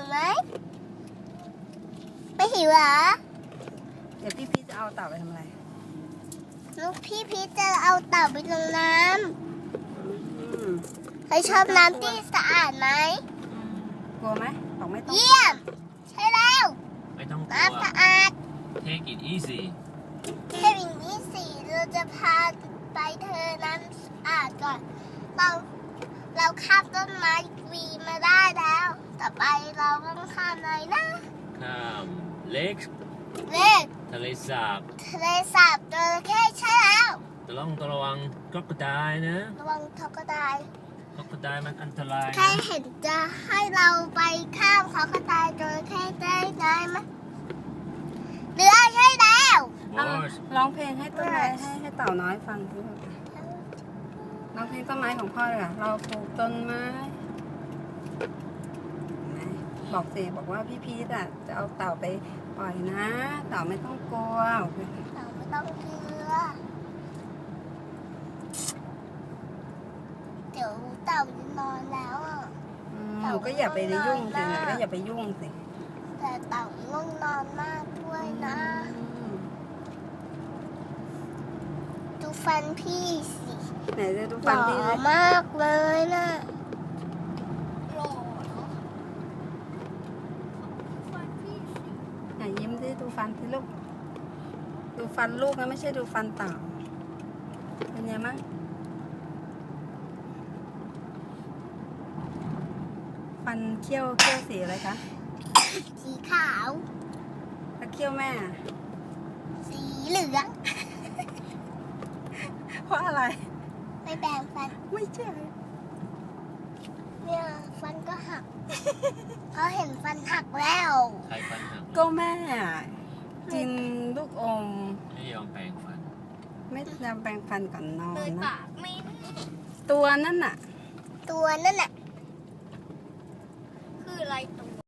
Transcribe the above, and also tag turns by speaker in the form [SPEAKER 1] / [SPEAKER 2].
[SPEAKER 1] วไหมไม่หิวเหรอ
[SPEAKER 2] เดี๋ยวพี่พีชจะเอาเต่าไปทำอะไร
[SPEAKER 1] ลูกพี่พีชจะเอาเต่าไปลงน้ำใครชอบน้ำที่สะอาดไหม
[SPEAKER 2] กลัวไหมบอกไม่ต้อง
[SPEAKER 1] เยี่ยมใช่แล้ว
[SPEAKER 3] ไม่ต้องกลัว
[SPEAKER 1] น้ำสะอาด
[SPEAKER 3] Take it easy
[SPEAKER 1] แค่อย่างนี้สิเราจะพาไปเธอน้ำสะอาดก่อนเราข้ามต้นไม้วีมาได้แล้วต่อไปเราต้องข้ามอะไรนะ
[SPEAKER 3] ข้ามเล็ก
[SPEAKER 1] เล็ก
[SPEAKER 3] ทะเลสาบ
[SPEAKER 1] ทะเลสาบจระเข้ใช่แล้ว
[SPEAKER 3] ต้องระวังกรอกไดนะ
[SPEAKER 1] ระวังทกได
[SPEAKER 3] กรอกไดมันอันตราย
[SPEAKER 1] ใคร
[SPEAKER 3] นะ
[SPEAKER 1] เห็นจะให้เราไปข้ามเขากระต่ายจระเข้ได้ไหมเรือใช่แล้ว
[SPEAKER 3] บอส
[SPEAKER 2] ร้องเพลงให้ต้นไม้ให้เต่าน้อยฟังสิลูกร้องเพลงต้นไม้ของพ่อเลยค่ะเราปลูกต้นไม้เห็นไหมบอกสิบอกว่าพี่พีชอ่ะจะเอาเต่าไปปล่อยนะ เต่าไม่ต้องกลัว
[SPEAKER 1] เราไม่ต้องเรือเดี๋ยวเต่าจะนอนแล้วอ่ะ
[SPEAKER 2] หนูก็อย่าไปยุ่งสิหนูก็อย่าไปยุ่งสิ
[SPEAKER 1] แต่เต่าง่วงนอนมากด้วยนะ ดูฟันพี่สิ
[SPEAKER 2] ไหนจะดู
[SPEAKER 1] ห
[SPEAKER 2] ฟัน
[SPEAKER 1] ล่อ
[SPEAKER 2] พี่สิ
[SPEAKER 1] มากเลยนะหล่อฟันพี่สิ
[SPEAKER 2] ไหนยิ้มสิดูฟันสิลูกดูฟันลูกนะไม่ใช่ดูฟันเต่าเป็นไงมั้งฟันเขี้ยวสีอะไรคะ
[SPEAKER 1] สีขาว
[SPEAKER 2] แล้วเขี้ยวแม่อะ
[SPEAKER 1] สีเหลือง
[SPEAKER 2] เพราะอะไร
[SPEAKER 1] ไม่แบ่งฟัน
[SPEAKER 2] ไม่ใช่
[SPEAKER 1] เนี่ยฟันก็หัก เขาเห็นฟันหักแล้ว
[SPEAKER 3] ใครฟันหัก
[SPEAKER 2] ก็แม่กินลูกอม
[SPEAKER 3] ไม่ยอมแปรงฟัน
[SPEAKER 2] ไม่ยอมแปรงฟันก่อนนอน
[SPEAKER 1] เลย
[SPEAKER 2] นะ
[SPEAKER 1] ปากไม่
[SPEAKER 2] ตัวนั่นน่ะ
[SPEAKER 1] ตัวนั่นน่ะคืออะไร